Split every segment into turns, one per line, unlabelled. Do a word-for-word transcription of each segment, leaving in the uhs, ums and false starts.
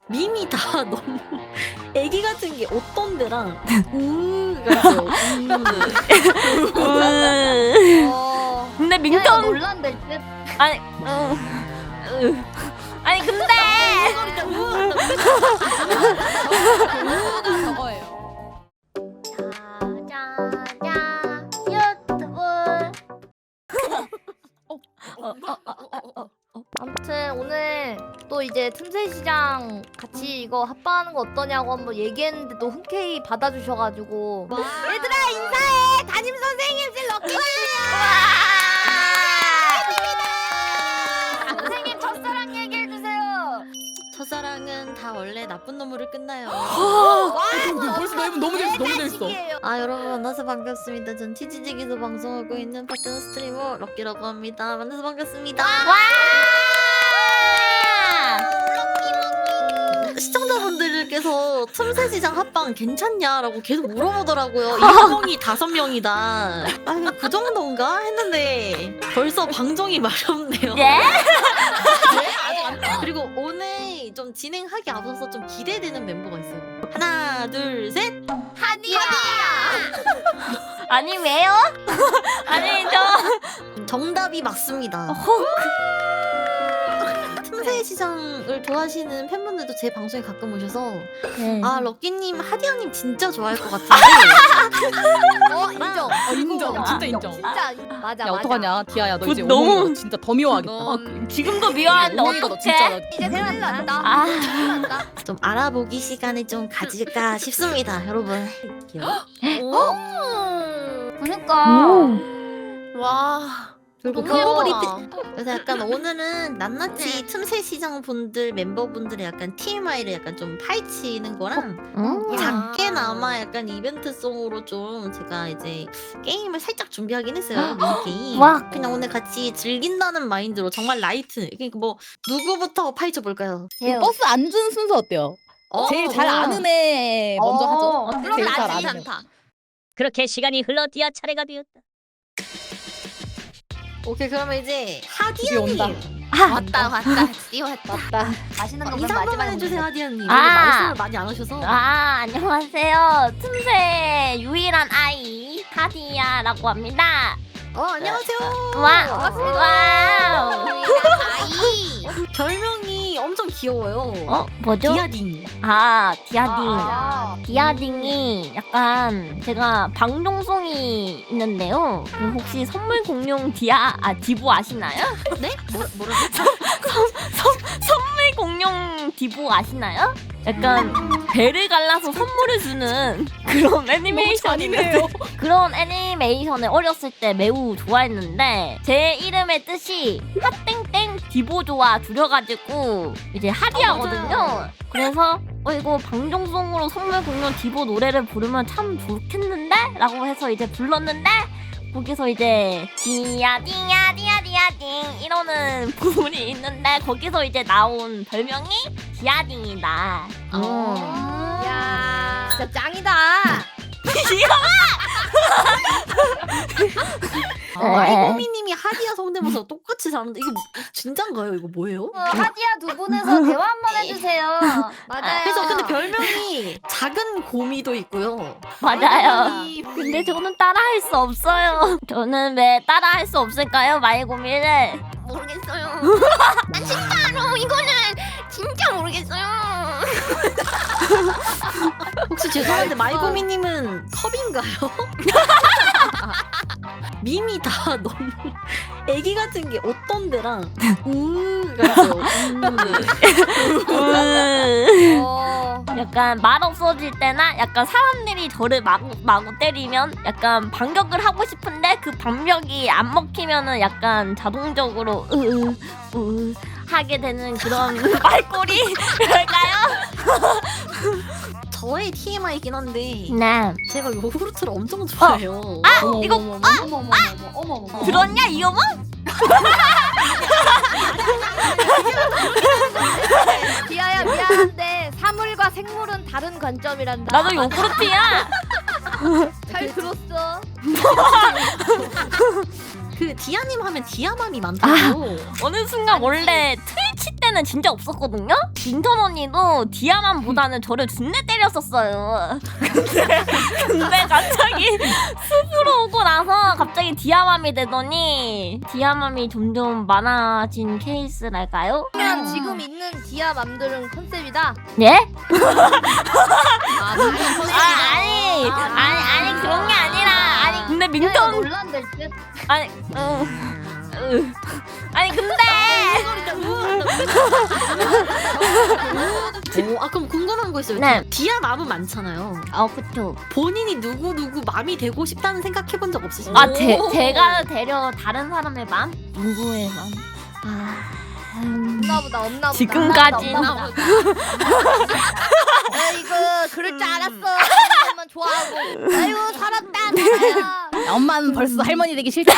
밈이 다 너무 애기 같은 게 어떤 데랑 우가 있어요. 우.
어.
근데
야,
민턴
놀란데 듯.
아니 음, 음. 아니 근데
우가 저거예요. 자자자 유튜브. 아무튼 오늘 또 이제 틈새 시장 같이 이거 합방하는 거 어떠냐고 한번 얘기했는데 또 흔쾌히 받아주셔가지고 얘들아 인사해 담임 선생님들 럭키야. 선생님 첫사랑 얘기해 주세요.
첫사랑은 다 원래 나쁜 놈으로 끝나요.
벌써 너무 너무 재밌어 너무 재밌어.
아 여러분 만나서 반갑습니다. 전 티지직에서 방송하고 있는 파트너 스트리머 럭키라고 합니다. 만나서 반갑습니다. 시청자분들께서 틈새 시장 합방 괜찮냐라고 계속 물어보더라고요. 이명이 다섯 명이다. 아, 그 정도인가 했는데 벌써 방송이 마렵네요.
예?
그리고 오늘 좀 진행하기 앞서서 좀 기대되는 멤버가 있어요. 하나, 둘, 셋.
하디야.
아니 왜요? 아니 저
정답이 맞습니다. 틈새 시장을 좋아하시는 팬분들도 제 방송에 가끔 오셔서 아 럭키님, 하디아님 진짜 좋아할 것 같은데.
어 인정.
어, 인정 진짜 인정.
진짜 맞아
야
맞아.
어떡하냐 디아야 너
그
이제
너무-
너무 진짜 더 미워하겠다.
넌
지금도 미워하는데
어머니가 너 진짜
어떡해?
너
이제 생각난다.
아
생각난다.
좀 알아보기 시간을 좀 가질까 싶습니다, 여러분.
그니까.
와. 그리고
너무
글로벌
예쁘다.
이벤트. 그래서 약간 오늘은 낱낱이 틈새 시장 분들 멤버분들의 약간 티엠아이를 약간 좀 파헤치는 거랑
야.
작게나마 약간 이벤트성으로 좀 제가 이제 게임을 살짝 준비하긴 했어요. 미니게임.
와.
그냥 오늘 같이 즐긴다는 마인드로 정말 라이트. 그러니까 뭐 누구부터 파헤쳐 볼까요?
재요.
버스 안 준 순서 어때요?
어,
제일 잘
어.
아는 애 먼저
어,
하죠.
그럼
제일 잘
나지.
아는 애.
그렇게 시간이 흘러 디아 차례가 되었다.
오케이, 그러면 이제
드디어 온다.
하디아님
왔다 왔다. 드디어 왔다.
맞다.
맛있는 거
인사
그럼
한번
마지막에
해주세요,
먹자.
하디아님.
아.
말씀을 많이 안 하셔서.
아, 안녕하세요. 틈새 유일한 아이 하디야라고 합니다.
어, 안녕하세요.
와,
반갑습니다.
와우.
아이.
별명이 엄청 귀여워요.
어, 뭐죠?
디아딩.
아, 디아딩.
아.
디아딩이 약간 제가 방송송이 있는데요. 그 혹시 선물 공룡 디아 아 디보 아시나요?
네? 뭐, 뭐라고?
선물 공룡 디보 아시나요? 약간 배를 갈라서 선물을 주는 그런 애니메이션인데
잔인해요.
그런 애니메이션을 어렸을 때 매우 좋아했는데 제 이름의 뜻이 핫땡땡 디보조와 줄여가지고 이제 하디하거든요. 그래서 어 이거 방송송으로 선물 공룡 디보 노래를 부르면 참 좋겠는데? 라고 해서 이제 불렀는데 거기서 이제 디야 디야 디야 디야 딩 이러는 부분이 있는데 거기서 이제 나온 별명이 디아딩이다.
어.
야. 진짜 짱이다.
아이고미님이 하디아 성대모사 똑같이 잘하는데 이거 뭐- 진짠가요? 이거 뭐예요?
어, 하디야 두 분에서 대화 한번 해주세요. 맞아요.
그래서 근데 별명이 작은 고미도 있고요.
맞아요.
별명이
근데 저는 따라할 수 없어요. 저는 왜 따라할 수 없을까요, 마이고미를?
모르겠어요. 난 진짜로 이거는 진짜 모르겠어요.
혹시 죄송한데 마이고미님은 컵인가요? 밈이 다 너무 애기 같은 게 어떤 데랑 우가 있어요. 우.
어.
약간 말 없어질 때나 약간 사람들이 저를 마구 마구 때리면 약간 반격을 하고 싶은데 그 반격이 안 먹히면은 약간 자동적으로 으으 으 하게 되는 그런 말꼬리랄까요?
저의 티엠아이긴 한데
네.
제가 요구르트를 엄청 좋아해요.
아
어머,
이거
어머, 어머, 어머, 어머, 어머, 어머, 어머.
들었냐 이거 뭐?
디아야 미안한데 사물과 생물은 다른 관점이란다.
나도 요구르트야.
잘 들었어.
그 디아님 하면 디아맘이 많다고.
어느 순간 원래 트위치 때는 원래는 진짜 없었거든요. 민턴 언니도 디아맘보다는 저를 준내 때렸었어요. 근데 근데 갑자기 숲으로 오고 나서 갑자기 디아맘이 되더니 디아맘이 점점 많아진 케이스랄까요?
그러면 지금 있는 디아 맘들은 컨셉이다.
예?
아, 컨셉이다.
아 아니 아니 아니 그런 게 아니라 아니 근데 민턴
논란될 듯.
아니 어, 으. 아니 근데
오, 아 그럼 궁금한 거 있어요.
네.
디아 맘은 많잖아요.
어 그쵸.
본인이 누구 누구 맘이 되고 싶다는 생각해본 적 없으신가요?
아 제, 제가 되려 다른 사람의 맘? 누구의 맘? 아 음,
없나 보다 없나 보다.
지금까지는
없나 보다. 아이고 그럴 줄 알았어. 엄마 좋아하고. 아이고 살았다 나야.
야, 엄마는 벌써 할머니 되기 싫다.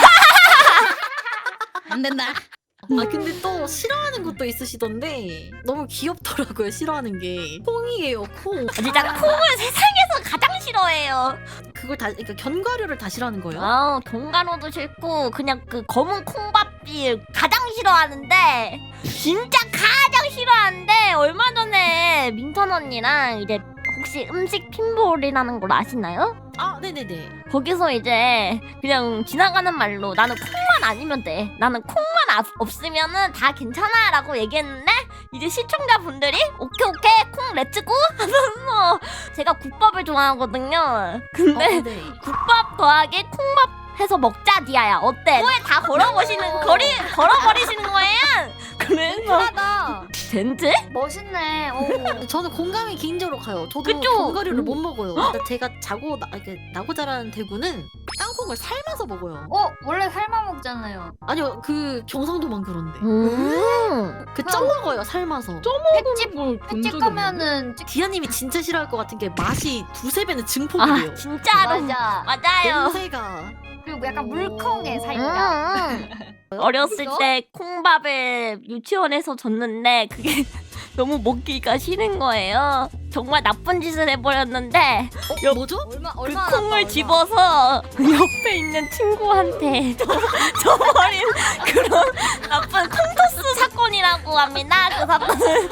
안 된다.
아 근데 또 싫어하는 것도 있으시던데 너무 귀엽더라고요. 싫어하는 게 콩이에요. 콩.
아, 진짜 콩을 세상에서 가장 싫어해요.
그걸 다 그러니까 견과류를 다 싫어하는 거예요?
아 동간호도 싫고 그냥 그 검은 콩밥이 가장 싫어하는데 진짜 가장 싫어하는데 얼마 전에 민턴 언니랑 이제 혹시 음식 핀볼이라는 걸 아시나요?
아 네네네.
거기서 이제 그냥 지나가는 말로 나는 콩만 아니면 돼. 나는 콩만 아- 없으면은 다 괜찮아 라고 얘기했는데 이제 시청자분들이 오케이 오케이 콩 렛츠고 하면서 제가 국밥을 좋아하거든요. 근데
어, 네.
국밥 더하기 콩밥 해서 먹자 디아야 어때? 코에 다 걸어버리시는 거리 걸어버리시는 거예요. 그래서
하다.
젠지?
멋있네. 어.
저는 공감이 개인적으로 가요. 저도
그쵸?
견과류를
음.
못 먹어요. 그러니까 제가 자고 나, 이렇게 나고 자라는 대구는 땅콩을 삶아서 먹어요.
어 원래 삶아 먹잖아요.
아니요 그 경상도만 그런데
음.
그 쪄 먹어요 삶아서.
횟집 횟집 가면은
디아님이 진짜 싫어할 것 같은 게 맛이 두세 배는 증폭이에요.
아 진짜로
맞아.
맞아요.
냄새가.
그리고 약간 물컹해 살짝.
음, 음. 어렸을
그래서?
때 콩밥을 유치원에서 줬는데 그게 너무 먹기가 싫은 거예요. 정말 나쁜 짓을 해버렸는데
어, 뭐죠?
얼마
그
얼마
콩을 집어서 옆에 있는 친구한테 줘- 줘버린 그런 나쁜 콩토스 사건이라고 합니다. 그 사건은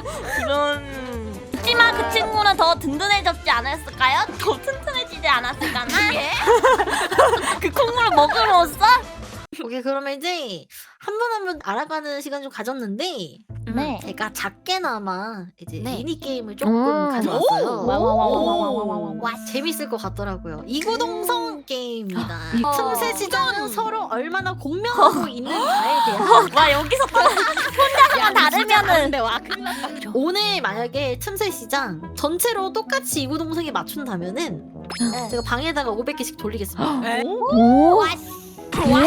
그런 하지만 그 친구는 더 든든해졌지 않았을까요? 더 튼튼해지지 않았을까나? 그 콩물을 먹음으로써
오케이 그러면 이제 한 분 한 분 알아가는 시간 좀 가졌는데
네.
제가 작게나마 이제
네.
미니 게임을 조금
음.
가져왔어요.
와와와와와와와와.
와 재밌을 것 같더라고요. 이구동성 게임입니다.
어.
틈새 시장은 서로 얼마나 공명하고 있는가에 대한
와 여기서 또 혼자서만 다르면은
다른데 와 큰일 났다.
오늘 만약에 틈새 시장 전체로 똑같이 이구동성에 맞춘다면은 제가 방에다가 오백 개씩 돌리겠습니다.
오. 와.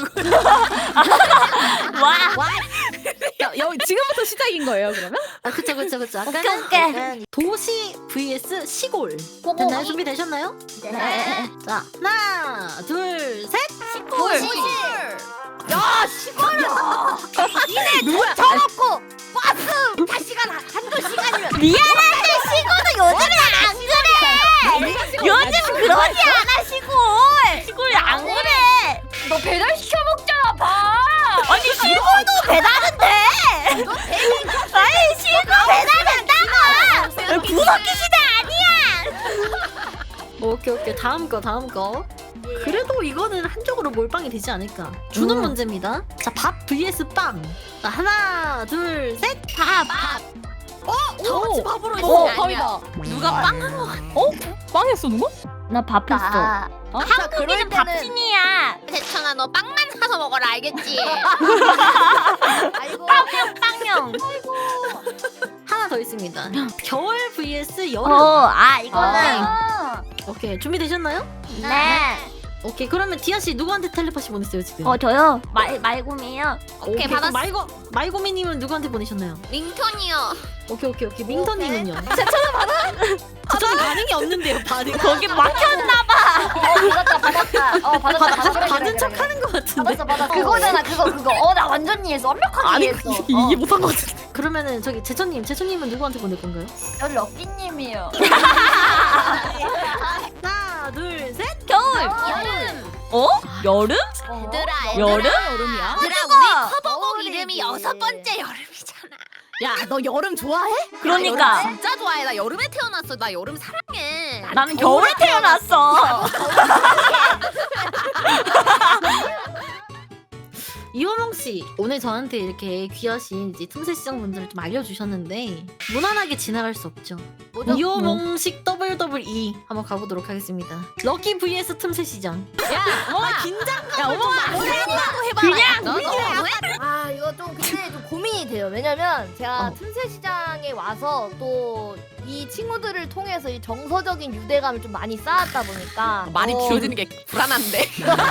와.
야, 여, 지금부터 시작인 거예요 그러면?
아 그쵸 그쵸 그쵸.
오케이,
아까는
오케이.
약간 도시 vs 시골. 됐나요? 준비되셨나요?
네.
자 하나 둘 셋.
시골.
야 시골은
누구야?
저먹고 버스 다시간 한두 시간이면
미안한데 시골은 요즘에 안 그래. 요즘 그러지 않아 시골. 시골 안 그래.
너 배달 시켜 먹잖아 봐.
아니 시골도 배달은 돼. 아니 시골 배달된다고. 구석기 시대 아니야.
오케이 오케이 다음 거 다음 거. 그래도 이거는 한쪽으로 몰빵이 되지 않을까. 주는
음.
문제입니다. 자 밥 vs 빵. 자 하나 둘 셋.
밥.
다 같이 밥으로
어
했어.
밥이다.
누가 빵?
어? 빵했어 누구?
나 밥 했어.
아,
어?
한국인은 밥신이야.
대천아 너 빵만 사서 먹어라 알겠지? 아이고
빵형 빵형.
하나 더 있습니다. 겨울 vs 여름.
어, 아 이거는
아,
오케이 준비되셨나요?
네.
오케이 그러면 디아 씨 누구한테 텔레파시 보냈어요 지금?
어 저요 말 말곰이에요.
오케이
받았어.
그럼 말고 말고미님은 누구한테 보내셨나요?
링턴이요.
오케이 오케이 오케이 민터님은요? 제천은 받아? 제천은 반응이 없는데요 반응.
거기 막혔나 봐.
받았다 받았다. 어 받았다
받,
받았다.
받, 받은 척하는 것 같은데.
받았어 받았어. 그거잖아 그거 그거. 어 나 완전 이해했어. 완벽하게
아니
이해했어.
이- 이해 못한 것 같은데. 그러면은 저기 제천님 제천님은 누구한테 보낼 건가요?
저 럭키님이요.
하나 둘 셋.
겨울.
여름.
어? 여름?
얘들아
여름?
여름이야?
얘들아 우리 커버곡 이름이 여섯 번째 여름이잖아.
야, 너 여름 좋아해?
그러니까.
나 여름 진짜 좋아해. 나 여름에 태어났어. 나 여름 사랑해.
나는 겨울에 태어났어.
이호몽 씨 오늘 저한테 이렇게 귀하신 이제 틈새 시장 분들을 좀 알려주셨는데 무난하게 지나갈 수 없죠.
뭐죠?
이호몽식 더블 더블 이 한번 가보도록 하겠습니다. 럭키 vs 틈새 시장.
야, 어머나.
긴장감.
야, 어머나. 뭐라고 해봐.
그냥
너, 너,
아 이거 좀 근데 좀 고민이 돼요. 왜냐면 제가
어.
틈새 시장에 와서 또 이 친구들을 통해서 이 정서적인 유대감을 좀 많이 쌓았다 보니까
많이
어,
길어지는 게 불안한데.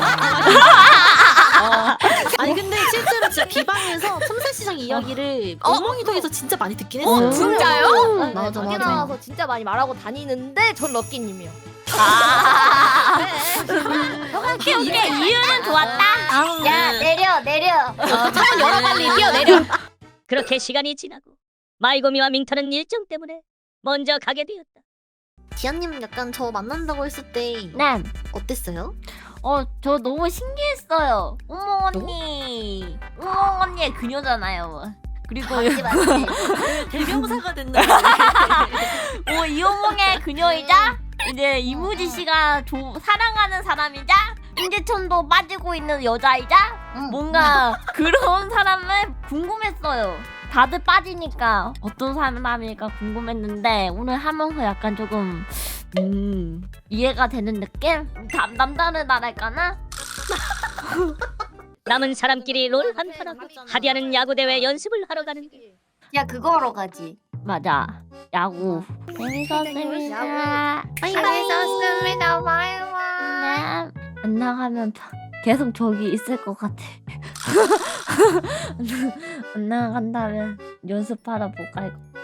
아니 근데 실제로 진짜 비방에서 틈새 시장 이야기를
어?
어몽이 통해서 진짜 많이 듣긴
어,
했어요.
진짜요?
네,
맞아,
저기
맞아.
나와서 진짜 많이 말하고 다니는데 전 럭키님이요.
아.
네.
오케이 오케이 이유는 좋았다. 아우.
야 내려 내려.
창문 열어 빨리 뛰어내려.
그렇게 시간이 지나고 마이고미와 밍터는 일정 때문에 먼저 가게 되었다.
디아님 약간 저 만난다고 했을 때
네.
어땠어요?
어, 저 너무 신기했어요. 우몽 언니. 우몽 언니의 그녀잖아요. 그리고
맞지 맞지.
대명사가 됐는데.
뭐 이호몽의 그녀이자 이제 이무지 씨가 조, 사랑하는 사람이자 임재천도 빠지고 있는 여자이자 뭔가 그런 사람을 궁금했어요. 다들 빠지니까 어떤 사람일까 궁금했는데 오늘 하면서 약간 조금 음 이해가 되는 느낌? 남, 남다르다랄까나?
남은 사람끼리 롤 한판하고 하디아는 야구대회 연습을 하러 가는데
야 그거 하러 가지.
맞아. 야구. 재밌었습니다.
재밌었습니다. 바이바이.
네. 안 나가면 다- 계속 저기 있을 것 같아. 안 나간다면 연습하러 못 갈 것 같아.